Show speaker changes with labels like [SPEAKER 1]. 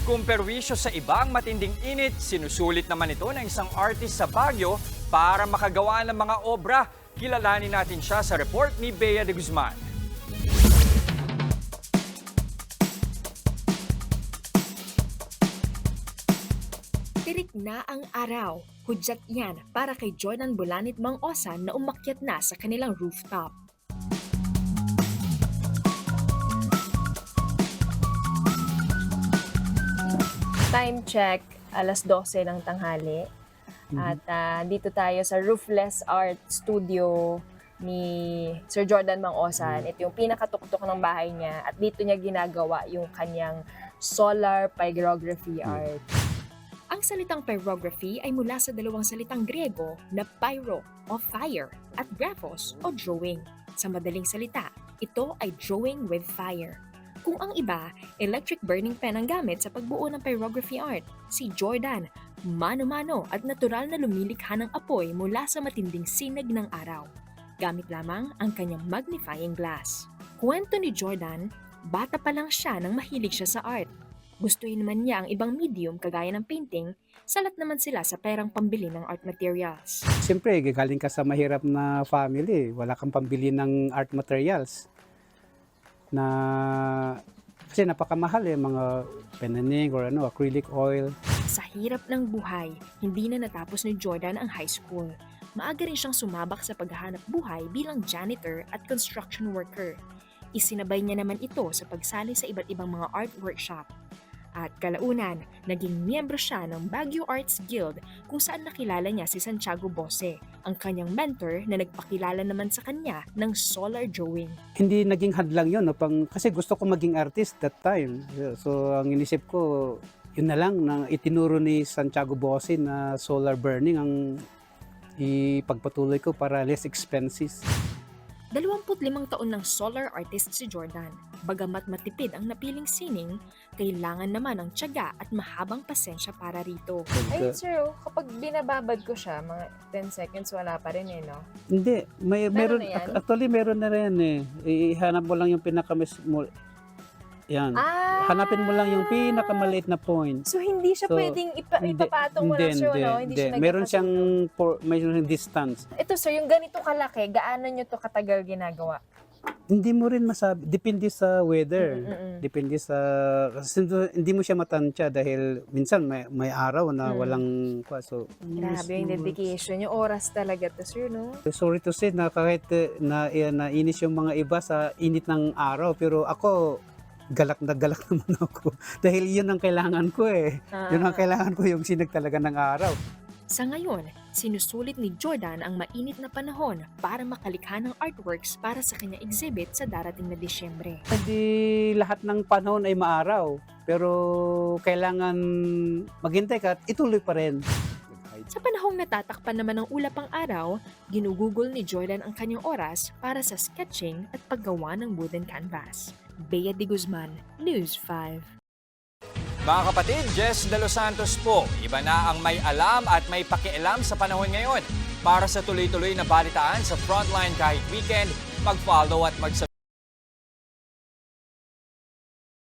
[SPEAKER 1] Kung perwisyo sa iba ang matinding init, sinusulit naman ito ng isang artist sa Baguio para makagawa ng mga obra. Kilalanin natin siya sa report ni Bea de Guzman.
[SPEAKER 2] Tirik na ang araw. Hudyat yan para kay Jordan Bulanit Mang Osan na umakyat na sa kanilang rooftop.
[SPEAKER 3] Time check, alas 12 ng tanghali. At dito tayo sa Roofless Art Studio ni Sir Jordan Mang Osan. Ito yung pinakatuktok ng bahay niya at dito niya ginagawa yung kanyang solar pyrography art.
[SPEAKER 2] Ang salitang pyrography ay mula sa dalawang salitang Griego na pyro o fire at graphos o drawing. Sa madaling salita, ito ay drawing with fire. Kung ang iba, electric burning pen ang gamit sa pagbuo ng pyrography art, si Jordan, mano-mano at natural na lumilikha ng apoy mula sa matinding sinag ng araw. Gamit lamang ang kanyang magnifying glass. Kwento ni Jordan, bata pa lang siya nang mahilig siya sa art. Gustuhin naman niya ang ibang medium kagaya ng painting, salat naman sila sa perang pambili ng art materials.
[SPEAKER 4] Siyempre, galing ka sa mahirap na family, wala kang pambili ng art materials. Kasi napakamahal mga penaning or acrylic oil.
[SPEAKER 2] Sa hirap ng buhay, hindi na natapos ni Jordan ang high school. Maaga rin siyang sumabak sa paghahanap buhay bilang janitor at construction worker. Isinabay niya naman ito sa pagsali sa iba't ibang mga art workshop. At kalaunan, naging miyembro siya ng Baguio Arts Guild kung saan nakilala niya si Santiago Bose, ang kanyang mentor na nagpakilala naman sa kanya ng solar drawing.
[SPEAKER 4] Hindi naging hadlang yun, kasi gusto ko maging artist that time. So ang inisip ko, yun na lang, na itinuro ni Santiago Bose na solar burning ang ipagpatuloy ko para less expenses.
[SPEAKER 2] 25 taon ng solar artist si Jordan. Bagamat matipid ang napiling sining, kailangan naman ng tiyaga at mahabang pasensya para rito.
[SPEAKER 3] Ayun sir, kapag binababad ko siya, mga 10 seconds wala pa rin no?
[SPEAKER 4] Hindi, meron,
[SPEAKER 3] na yan?
[SPEAKER 4] actually meron na rin Ihanap mo lang yung yan. Hanapin mo lang yung pinakamaliit na point.
[SPEAKER 3] So hindi siya
[SPEAKER 4] So,
[SPEAKER 3] pwedeng ipapatong mo lang sir, no? Hindi siya
[SPEAKER 4] Meron siyang
[SPEAKER 3] nagkakasunog.
[SPEAKER 4] mayroon siyang distance.
[SPEAKER 3] Ito sir, yung ganito kalaki, gaano nyo to katagal ginagawa?
[SPEAKER 4] Hindi mo rin masabi, depende sa weather.
[SPEAKER 3] Mm-mm.
[SPEAKER 4] Depende sa kasi hindi mo siya matansya dahil minsan may araw na walang so
[SPEAKER 3] Grabe yung dedication, yung oras talaga to sir, no?
[SPEAKER 4] sorry to say na kahit nainis yung mga iba sa init ng araw, pero ako galak na galak naman ako dahil yun ang kailangan ko yun ang kailangan ko, yung sinag talaga ng araw.
[SPEAKER 2] Sa ngayon, sinusulit ni Jordan ang mainit na panahon para makalikha ng artworks para sa kanya exhibit sa darating na Disyembre.
[SPEAKER 4] Hindi lahat ng panahon ay maaraw, pero kailangan maghintay ka at ituloy pa rin.
[SPEAKER 2] Sa panahong natatakpan naman ng ulap ang araw, ginugugol ni Jordan ang kanyang oras para sa sketching at paggawa ng wooden canvas. Bea de Guzman, News 5.
[SPEAKER 1] Mga kapatid, Jess De Los Santos po. Iba na ang may alam at may pakialam sa panahon ngayon. Para sa tuloy-tuloy na balitaan sa Frontline kahit weekend, mag-follow at mag-subscribe